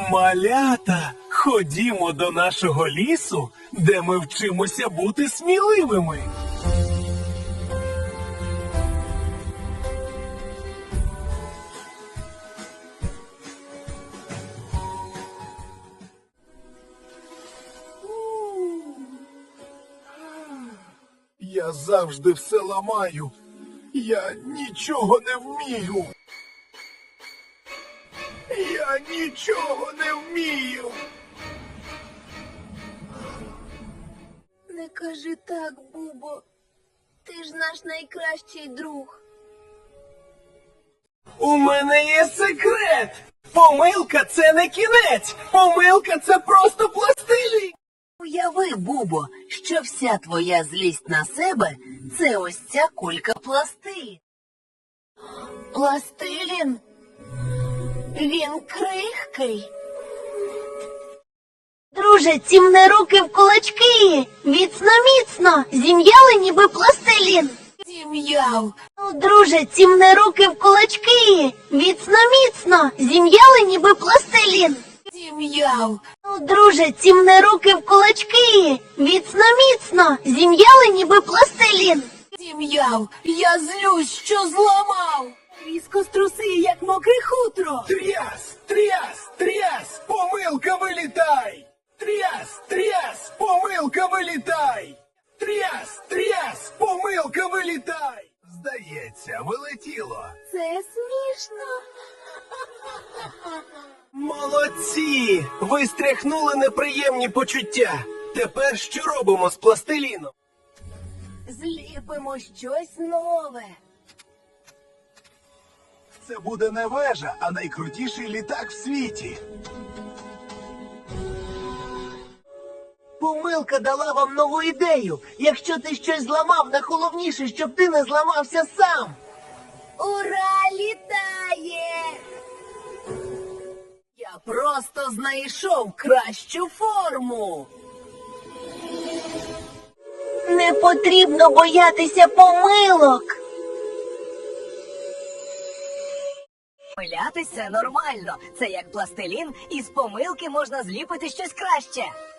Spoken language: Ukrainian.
Малята, ходімо до нашого лісу, де ми вчимося бути сміливими. Я завжди все ламаю. Я нічого не вмію. Я нічого не вмію. Не кажи так, Бубо. Ти ж наш найкращий друг. У мене є секрет. Помилка – це не кінець. Помилка – це просто пластилін. Уяви, Бубо, що вся твоя злість на себе – це ось ця кулька пластилін. Пластилін? Він крихкий. Друже, цімне руки в кулачки. Міцно-міцно. Зім'яли ніби пластилін. Зім'яв. Ну, друже, цімне руки в кулачки. Міцно-міцно. Зім'яли ніби пластилін. Зім'яв. Ну, друже, цімне руки в кулачки. Міцно-міцно. Зім'яли ніби пластилін. Зім'яв. Я злюсь, що зламав. Різко струси, як мокре хутро. Тряс, тряс, тряс, помилка вилітай! Тряс, тряс, помилка вилітай! Тряс, тряс, помилка вилітай! Здається, вилетіло. Це смішно. Молодці! Ви стряхнули неприємні почуття. Тепер що робимо з пластиліном? Зліпимо щось нове. Це буде не вежа, а найкрутіший літак в світі. Помилка дала вам нову ідею. Якщо ти щось зламав, найголовніше, щоб ти не зламався сам. Ура, літає! Я просто знайшов кращу форму. Не потрібно боятися помилок. Помилятися нормально. Це як пластилін, і з помилки можна зліпити щось краще.